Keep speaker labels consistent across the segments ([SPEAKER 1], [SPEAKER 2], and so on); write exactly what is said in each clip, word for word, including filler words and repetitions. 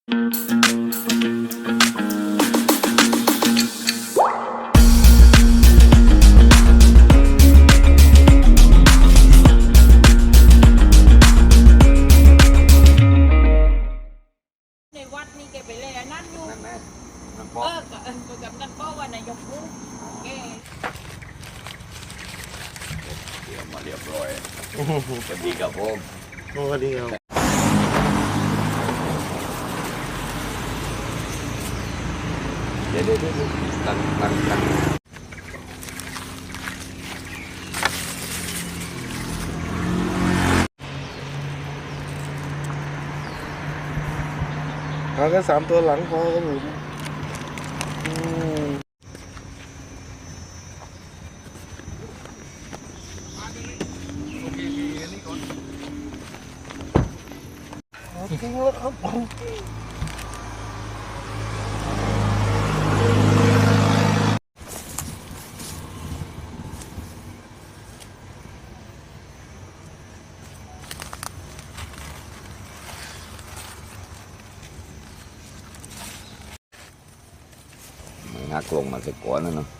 [SPEAKER 1] วัดนี่แกไปเลยนั่นอยู่เออกับเออกับนั่นก็ว่านายกรู้แก
[SPEAKER 2] เดี๋ยวมาเรียบร้อยสวัสดีครับผม
[SPEAKER 3] สวัสดีครับ
[SPEAKER 2] เดี๋ยวเดี๋ยวเดี๋ยวนั่งนั่งนั่ง
[SPEAKER 3] เอาแค่สามตัวหลังพอครับผมจริงแล้วครับผม
[SPEAKER 2] งักลงมาสักก่อนนะเนาะ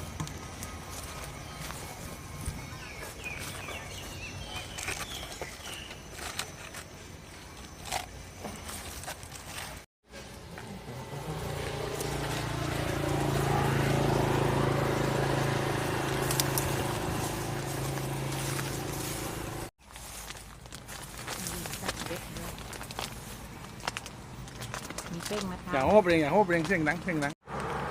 [SPEAKER 1] มีเส้นมาทำ
[SPEAKER 4] อย่าโฮบเรงอย่าโฮบเรงเสียงดังเสียงดัง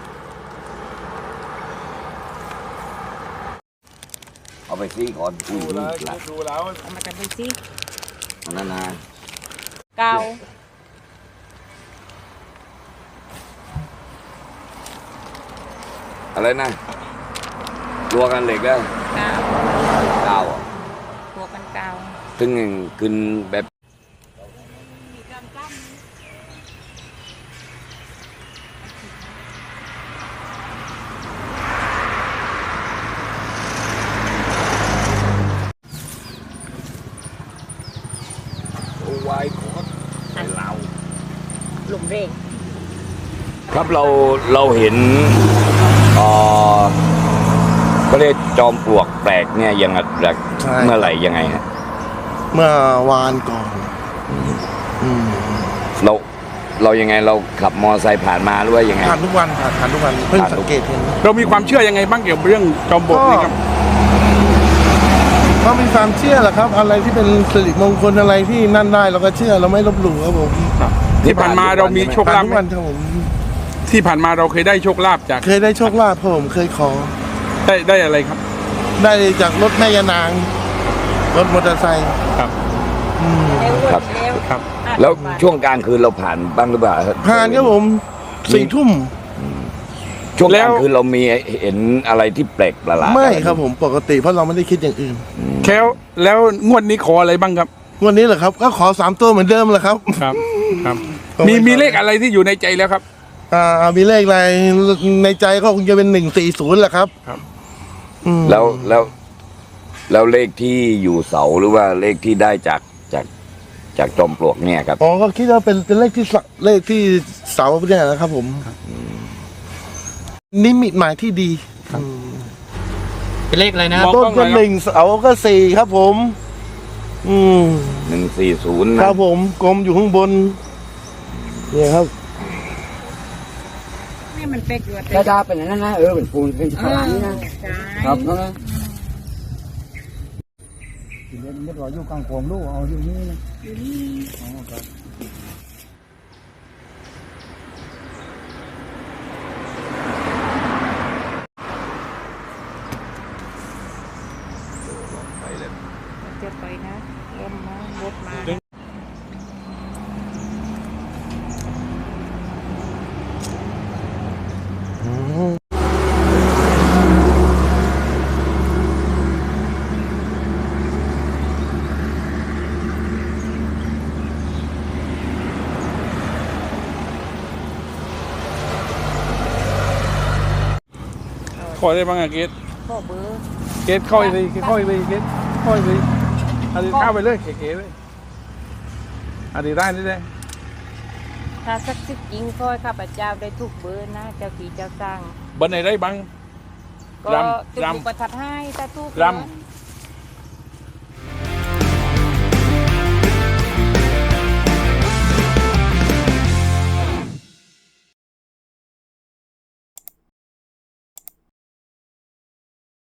[SPEAKER 2] เอาไปซีก่อนดูแล้วดูแล้ว
[SPEAKER 1] เอามากันดูสิ
[SPEAKER 2] อันนั้นนะ
[SPEAKER 1] เกา
[SPEAKER 2] อะไรนะรัวกันเหล็กแล้ว
[SPEAKER 1] เกา
[SPEAKER 2] เก้าอ่ะ
[SPEAKER 1] ตัวกันเกา
[SPEAKER 2] ถึงขึ้นแบบ
[SPEAKER 1] มีการกล้าม
[SPEAKER 2] วายคอสใส่เรา
[SPEAKER 1] หลุมเร่ง
[SPEAKER 2] ครับเราเราเห็นเอ่อก็เรียกจอมปลวกแปลกเนี่ยยังไงเมื่อไหร่ยังไงฮะ
[SPEAKER 3] เมื่อวานก่อนอืม
[SPEAKER 2] เราเรายังไงเราขับมอไซค์ผ่านมาหรือว่ายังไง
[SPEAKER 3] ผ่านทุกวันผ่านผ่านทุกวันเพิ่งสังเกตเห็น
[SPEAKER 4] เรามีความเชื่อยังไงบ้างเกี่ยวกับเรื่องจอมปลวกนี่ครับ
[SPEAKER 3] ก็มีความเชื่อแหละครับ อะไรที่เป็นสิริมงคลอะไรที่นั่นได้เราก็เชื่อเราไม่ลบหลู่ครับผม
[SPEAKER 4] ที่ผ่านมาเรามีโชค
[SPEAKER 3] ผ่า
[SPEAKER 4] ลาน ภ
[SPEAKER 3] ทุก
[SPEAKER 4] ไหม
[SPEAKER 3] วันครับผม
[SPEAKER 4] ที่ผ่านมาเราเคยได้โชคลาภจาก
[SPEAKER 3] เคยได้โชคลาภครับผมเคยขอ
[SPEAKER 4] ได้ได้อะไรครับ
[SPEAKER 3] ได้จากรถแม่ยานางรถมอเตอร์ไซค์
[SPEAKER 4] ครับ
[SPEAKER 3] อืม
[SPEAKER 1] เร็ว
[SPEAKER 2] ครับ
[SPEAKER 1] เร็ว
[SPEAKER 4] ครับ
[SPEAKER 2] แล้วช่วงกลางคืนเราผ่านบ้างหรือเปล่า
[SPEAKER 3] ผ่านครับผมสี่ทุ่ม
[SPEAKER 2] ช่วงกลางคืนเรามีเห็นอะไรที่แปลกประหลาด
[SPEAKER 3] ไม่ครับผมปกติเพราะเราไม่ได้คิดอย่างอื่น
[SPEAKER 4] แค่แล้วงวดนี้ขออะไรบ้างครับ
[SPEAKER 3] วันนี้เหรอครับก็ขอสามตัวเหมือนเดิมแหละครับ
[SPEAKER 4] ครับครับมีมีเลขอะไรที่อยู่ในใจแล้วครับ
[SPEAKER 3] อ่ามีเลขอะไรในใจก็คงจะเป็นหนึ่งสี่ศูนย์แหละครับ
[SPEAKER 4] ครับ
[SPEAKER 3] อืม
[SPEAKER 2] แล้วแล้วแล้วเลขที่อยู่เสาหรือว่าเลขที่ได้จากจากจากจอมปลวกเนี่ยครับ
[SPEAKER 3] อ๋อก็คิดว่าเป็นเป็นเลขที่เสาเลขที่เสาเนี่ยนะครับผมนิมิตหมายที่ดีอืม
[SPEAKER 5] เป็นเลขอะไรนะ
[SPEAKER 4] มอง
[SPEAKER 3] ต้น
[SPEAKER 4] กล้
[SPEAKER 3] ก็
[SPEAKER 4] องหน่อยครับ
[SPEAKER 3] หนึ่งเสาก็สี่ครับผม อืม
[SPEAKER 2] หนึ่งสี่ศูนย์
[SPEAKER 3] ครับผมกลมอยู่ข้างบนเนี่ยครับ
[SPEAKER 1] นี่มันเป็กอยู่
[SPEAKER 5] ดาดาเป็นอย่างนั้นนะเออเป็นปูนเป็นฉลามนี่นะ
[SPEAKER 1] ใช่
[SPEAKER 5] ครับนั่นนะ
[SPEAKER 4] ไม่รออยู่กลางโขงลูกเอาอยู่นี่นะ
[SPEAKER 1] จะไปนะลมมารถมา
[SPEAKER 4] ขอได้บ้างอะเกต
[SPEAKER 1] พ่อเบอร์
[SPEAKER 4] เกตเข้าไปเลยเกตเข้าไปเลยเกตเข้าไปเลยอันนี้เข้าไปเลยเก๋ๆเลยอันนี้ได้นี่ได้
[SPEAKER 1] ถ้าสักสิบจริงก็ให้ข้าพเจ้าได้ทุกเบอร์นะเจ้าที่เจ้าสร้าง
[SPEAKER 4] บันไหนได้บ้าง
[SPEAKER 1] ก็
[SPEAKER 4] รำ
[SPEAKER 1] จุด
[SPEAKER 4] รำ
[SPEAKER 1] บุประทัดให้ถ้าทุก
[SPEAKER 4] ร
[SPEAKER 1] เบอ